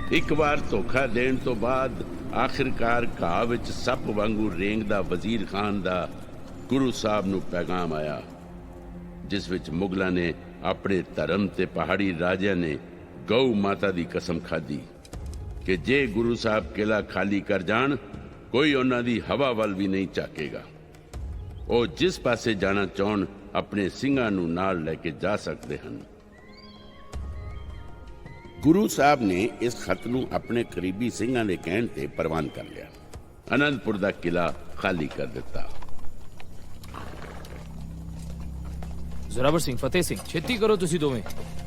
ਇੱਕ ਵਾਰ ਧੋਖਾ ਦੇਣ ਤੋਂ ਬਾਅਦ ਆਖਿਰਕਾਰ ਘਾਹ ਵਿੱਚ ਸੱਪ ਵਾਂਗੂ ਰੇਂਗਦਾ ਵਜ਼ੀਰ ਖਾਨ ਦਾ ਗੁਰੂ ਸਾਹਿਬ ਨੂੰ ਪੈਗਾਮ ਆਇਆ, ਜਿਸ ਵਿੱਚ ਮੁਗਲਾਂ ਨੇ ਆਪਣੇ ਧਰਮ ਤੇ ਪਹਾੜੀ ਰਾਜਿਆਂ ਨੇ ਗਊ ਮਾਤਾ ਦੀ ਕਸਮ ਖਾਧੀ ਕਿ ਜੇ ਗੁਰੂ ਸਾਹਿਬ ਕਿਲਾ ਖਾਲੀ ਕਰ ਜਾਣ, ਕੋਈ ਉਹਨਾਂ ਦੀ ਹਵਾ ਵੱਲ ਵੀ ਨਹੀਂ ਝਾਕੇਗਾ। ਉਹ ਜਿਸ ਪਾਸੇ ਜਾਣਾ ਚਾਹਣ ਆਪਣੇ ਸਿੰਘਾਂ ਨੂੰ ਨਾਲ ਲੈ ਕੇ ਜਾ ਸਕਦੇ ਹਨ। ਗੁਰੂ ਸਾਹਿਬ ਨੇ ਇਸ ਖਤ ਨੂੰ ਆਪਣੇ ਕਰੀਬੀ ਸਿੰਘਾਂ ਦੇ ਕਹਿਣ ਤੇ ਪ੍ਰਵਾਨ ਕਰ ਲਿਆ। ਅਨੰਦਪੁਰ ਦਾ ਕਿਲਾ ਖਾਲੀ ਕਰ ਦਿੱਤਾ। ਜ਼ੋਰਾਵਰ ਸਿੰਘ, ਫਤਿਹ ਸਿੰਘ, ਛੇਤੀ ਕਰੋ ਤੁਸੀਂ ਦੋਵੇਂ।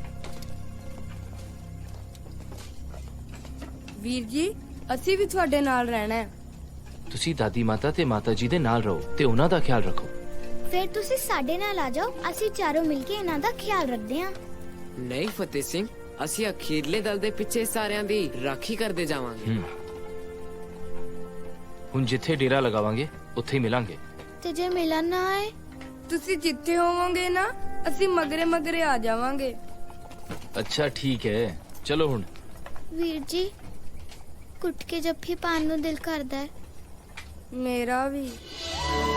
ਵੀਰ ਜੀ, ਅਸੀਂ ਵੀ ਤੁਹਾਡੇ ਨਾਲ ਰਹਿਣਾ ਹੈ। ਤੁਸੀਂ ਦਾਦੀ ਮਾਤਾ ਤੇ ਮਾਤਾ ਜੀ ਦੇ ਨਾਲ ਰਹੋ ਤੇ ਉਹਨਾਂ ਦਾ ਖਿਆਲ ਰੱਖੋ। ਫਿਰ ਤੁਸੀਂ ਸਾਡੇ ਨਾਲ ਆ ਜਾਓ, ਅਸੀਂ ਚਾਰੋਂ ਮਿਲ ਕੇ ਇਹਨਾਂ ਦਾ ਖਿਆਲ ਰੱਖਦੇ ਹਾਂ। ਨਹੀਂ ਫਤਿਹ ਸਿੰਘ, ਅਸੀਂ ਅਖੀਰਲੇ ਦਲ ਦੇ ਪਿੱਛੇ ਸਾਰਿਆਂ ਦੀ ਰਾਖੀ ਕਰਦੇ ਜਾਵਾਂਗੇ। ਹੁਣ ਜਿੱਥੇ ਡੇਰਾ ਲਗਾਵਾਂਗੇ ਉੱਥੇ ਹੀ ਮਿਲਾਂਗੇ। ਤੇ ਜੇ ਮਿਲਣ ਨਾ ਆਏ? ਤੁਸੀਂ ਜਿੱਥੇ ਹੋਵੋਗੇ ਨਾ, ਅਸੀਂ ਮਗਰੇ ਮਗਰੇ ਆ ਜਾਵਾਂਗੇ। ਅੱਛਾ ਠੀਕ ਹੈ, ਚਲੋ ਹੁਣ। ਵੀਰ ਜੀ, ਕੁੱਟ ਕੇ ਜੱਫੀ ਪਾਉਣ ਨੂੰ ਦਿਲ ਕਰਦਾ ਹੈ। ਮੇਰਾ ਵੀ।